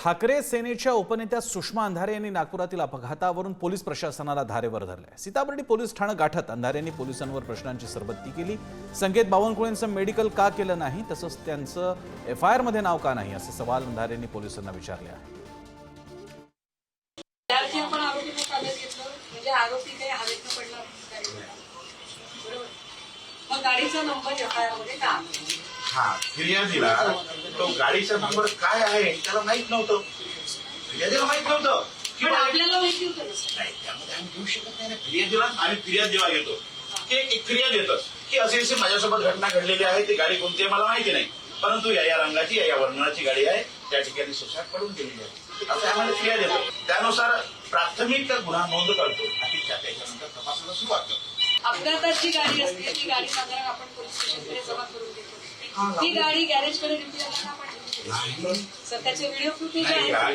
ठाकरे सेनेच्या उपनेत्या सुषमा अंधारे यांनी नागपुरातील अपघातावरून पोलीस प्रशासनाला धारेवर धरले। सीताबर्डी पोलीस ठाणे गाठत अंधारे यांनी पोलिसांवर प्रश्नांची सरबत्ती केली। संकेत बावनकुळेंचं मेडिकल का केलं नाही, तसंच त्यांचं एफआयआर मध्ये नाव का नाही, असे सवाल अंधारे यांनी पोलिसांना विचारले आहेत। गाडीचा नंबर एफआयआर मध्ये का? हाँ, फिर्यादीला तो गाडीचा नंबर काय आहे त्याला माहित नव्हतं, फिर्यादीला माहित नव्हतं किंवा आपल्याला माहिती होतं नाही, त्यामध्ये आम्ही घेऊ शकत नाही ना फिर्यादीला। आम्ही फिर्याद जेव्हा घेतो की एक फिर्याद येतं की असे माझ्यासोबत घटना घडलेली आहे, ती गाडी कोणती आहे मला माहिती नाही, परंतु या रंगाची या वर्णनाची गाडी आहे, त्या ठिकाणी सुसाट पडून गेलेली आहे, असं आम्हाला फिर्याद येतो। त्यानुसार प्राथमिक गुन्हा नोंद करतो आणि त्याच्यानंतर तपासाला सुरुवात करतो। अपघाताची गाडी असते ती गाडी साधारण आपण पोलीस स्टेशनकडे जमा करून देतो, ती गाडी गॅरेजकडे रिपेअरला आपण सर त्याचे व्हिडिओ फुटेज आहे,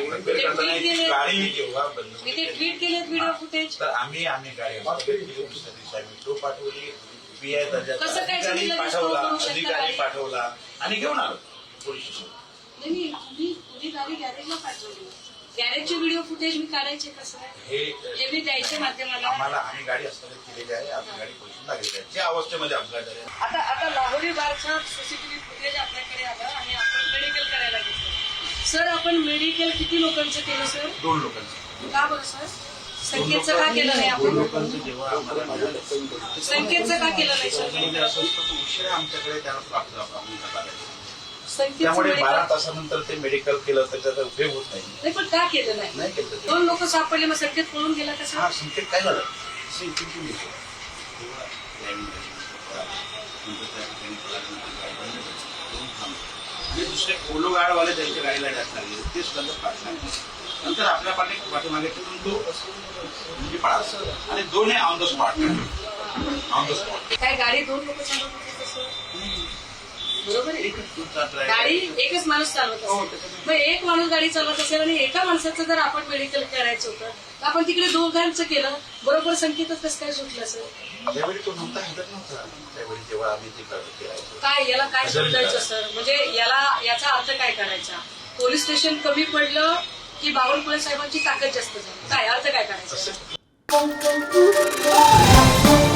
मी ते ट्विट केलेत व्हिडिओ फुटेज। तर आम्ही गाडी पाठवली, पीआय अधिकारी पाठवला आणि घेऊन आलो पोलीस स्टेशन। नाही तुम्ही गाडी गॅरेजला पाठवली, गॅरेजचे व्हिडिओ फुटेज मी काढायचे कसं हे मी द्यायचे माध्यमाला। आम्ही गाडी हस्तगत केलेली आहे, आपली गाडी पोलिसांना लागलेली आहे, ज्या अवस्थेमध्ये अपघात झाले। आता लाहोरी बारचा सीसीटीव्ही फुटेज आपल्याकडे आलं आणि आपण मेडिकल करायला घेतलं। सर आपण मेडिकल किती लोकांचं केलं सर? 2 लोकांचं। का बरं सर? संकेतचं का केलं नाही आपण? 2 लोकांचं जेव्हा आम्हाला संकेतचं का केलं नाही सर? असं उशिरा आमच्याकडे त्याला प्राप्त करायचं, संकेत त्यामुळे 12 तासानंतर ते मेडिकल केलं तर त्याचा उपयोग होत नाही। पण का केलं नाही केलं? 2 लोक सापडले, मग संकेत पळून गेला कसं? हा, संकेत काय झालं दुसरे पोलो गाडवाले त्यांच्या गाडीला जास्त लागले, ते सुद्धा पाठवले, नंतर आपल्या पाठीमागे ठेवून तो म्हणजे पळाला आणि 2 ऑन द स्पॉट काय गाडी 2 लोक चालवत होते तसं? बरोबर आहे, गाडी एकच माणूस चालवत असेल, मग एक माणूस गाडी चालवत असेल आणि एका माणसाचं जर आपण मेडिकल करायचं होतं तर आपण तिकडे 2 केलं, बरोबर संकेतच कसं काय सुटलं सर? त्यावेळी तो नव्हता, हजर नव्हता त्यावेळी जेव्हा आम्ही ते करायचो। काय याला काय समजायचं सर? म्हणजे याचा अर्थ काय करायचा? पोलीस स्टेशन कमी पडलं की बावनकुळे साहेबांची ताकद जास्त झाली, काय अर्थ काय करायचा?